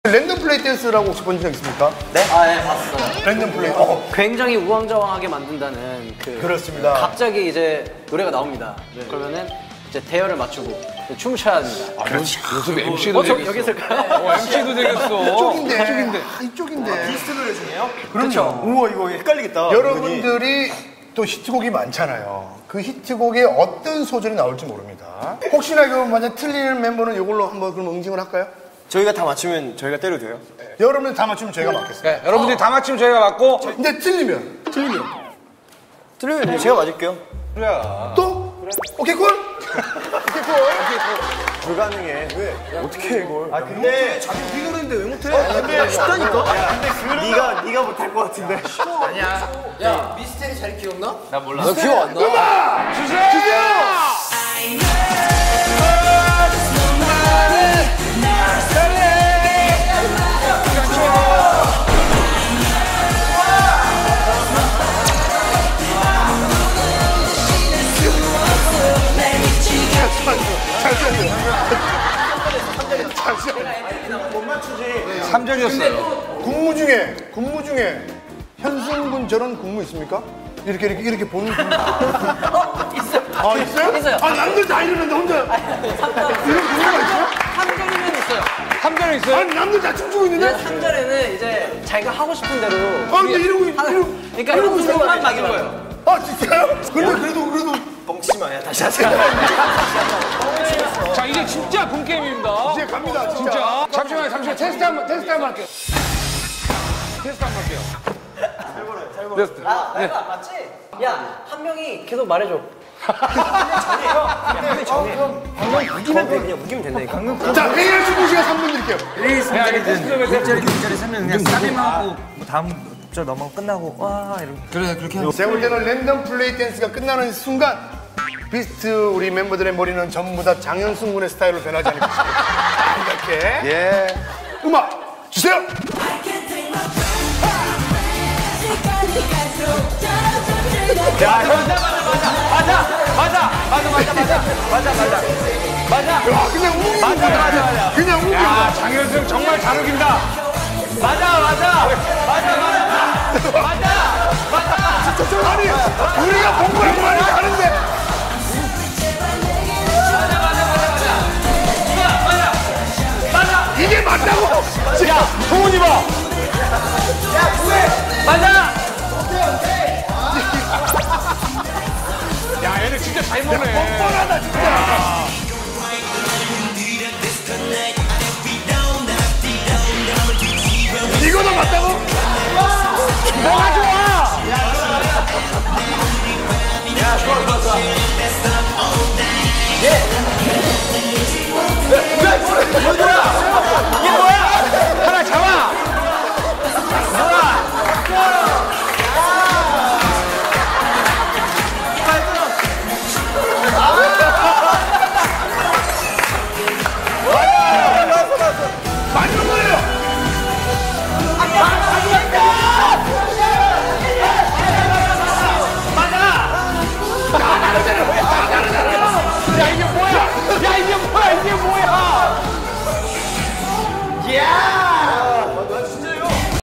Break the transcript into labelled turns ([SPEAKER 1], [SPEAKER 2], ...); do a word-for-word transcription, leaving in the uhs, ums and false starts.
[SPEAKER 1] 랜덤 플레이 댄스라고 혹시 본 적 있습니까?
[SPEAKER 2] 네? 아, 네, 봤어요.
[SPEAKER 1] 랜덤 플레이. 어.
[SPEAKER 2] 굉장히 우왕좌왕하게 만든다는 그.
[SPEAKER 1] 그렇습니다.
[SPEAKER 2] 갑자기 이제 노래가 나옵니다. 네. 그러면은 이제 대열을 맞추고 춤을 춰야 합니다.
[SPEAKER 3] 아, 요즘 엠시도
[SPEAKER 2] 어, 저
[SPEAKER 3] 되겠어.
[SPEAKER 2] 여기 있을까요?
[SPEAKER 3] 어, 엠시도 되겠어.
[SPEAKER 1] 이쪽인데.
[SPEAKER 3] 이쪽인데.
[SPEAKER 1] 아, 이쪽인데.
[SPEAKER 4] 비스트 노래 중에요?
[SPEAKER 1] 그렇죠.
[SPEAKER 4] 우와 이거 헷갈리겠다.
[SPEAKER 1] 여러분들이 또 히트곡이 많잖아요. 그 히트곡에 어떤 소절이 나올지 모릅니다. 혹시나 그 만약 틀리는 멤버는 이걸로 한번 그럼 응징을 할까요?
[SPEAKER 4] 저희가 다 맞추면 저희가 때려도 돼요?
[SPEAKER 1] 여러분들 다 맞추면 저희가 맞겠습니다.
[SPEAKER 3] 네, 여러분들이 다 맞히면 저희가 맞고.
[SPEAKER 1] 근데 틀리면 틀리면
[SPEAKER 4] 틀리면 제가 맞을게요.
[SPEAKER 3] 그래.
[SPEAKER 1] 또 오케이 콜. 오케이 콜.
[SPEAKER 4] 불가능해. 왜? 어떻게 해 이걸? 아 근데 자기 우리 노래인데 왜 못해? 아, 근데 쉽다니까? 야 근데 그 네가 네가 못할 것 같은데.
[SPEAKER 2] 야, 미스테리 잘 기억나?
[SPEAKER 3] 나 몰라.
[SPEAKER 2] 너 기억 안 나?
[SPEAKER 1] 음악 주세요. 주세요.
[SPEAKER 3] 삼 절이었어요.
[SPEAKER 1] 군무 중에 군무 중에 현승군 저런 군무 있습니까? 이렇게 이렇게 이렇게 보는 군무.
[SPEAKER 2] 있어요.
[SPEAKER 1] 아 있어요?
[SPEAKER 2] 있어요.
[SPEAKER 1] 아 남들 다 이러는데 혼자 이런 군무가 있어요?
[SPEAKER 2] 삼 절이면 있어요.
[SPEAKER 3] 삼 절이 있어요?
[SPEAKER 1] 아니 남들 다 춤추고 있는데?
[SPEAKER 2] 삼 절에는 이제 자기가 하고 싶은 대로.
[SPEAKER 1] 아 근데 이러고
[SPEAKER 2] 하는-
[SPEAKER 1] 이러고
[SPEAKER 2] 그러니까 현승만 막인 거예요.
[SPEAKER 1] 아 진짜요? 근데 그래도 그래도
[SPEAKER 4] 뻥치지 마야 다시 하세요.
[SPEAKER 3] 자, 이제 진짜 본 게임입니다.
[SPEAKER 1] 이제 갑니다 진짜.
[SPEAKER 3] 진짜. 잠시만요, 잠시만요. 테스트 한 번, 테스트 한 번 할게요. 테스트 한 번 할게요. 테스트.
[SPEAKER 2] 아, 내가 안 맞지? 야, 한 명이 계속 말해줘.
[SPEAKER 4] 우기면 돼 그냥 우기면 된다니까.
[SPEAKER 1] 자 회의할 준비 시간 삼 분 드릴게요.
[SPEAKER 3] 네, 알겠습니다.
[SPEAKER 5] 일 절이 이 절이 쓰면 그냥 싸대만 하고 뭐 다음 절 넘어가고 끝나고 와 이런 그래 그렇게 하면
[SPEAKER 1] 제가 볼 때는 랜덤 플레이 댄스가 끝나는 순간 비스트 우리 멤버들의 머리는 전부 다 장현승 군의 스타일로 변하지 않을까 싶습니다. 이렇게 예 음악 주세요.
[SPEAKER 3] 야, 맞아, 맞아, 맞아, 맞아, 맞아, 맞아, 맞아, 맞아, 맞아, 맞아.
[SPEAKER 1] 야 그냥 우기
[SPEAKER 3] 맞아, 맞아, 맞아.
[SPEAKER 1] 그냥 우기.
[SPEAKER 3] 야, 장현승 정말 잘 우긴다. 맞아.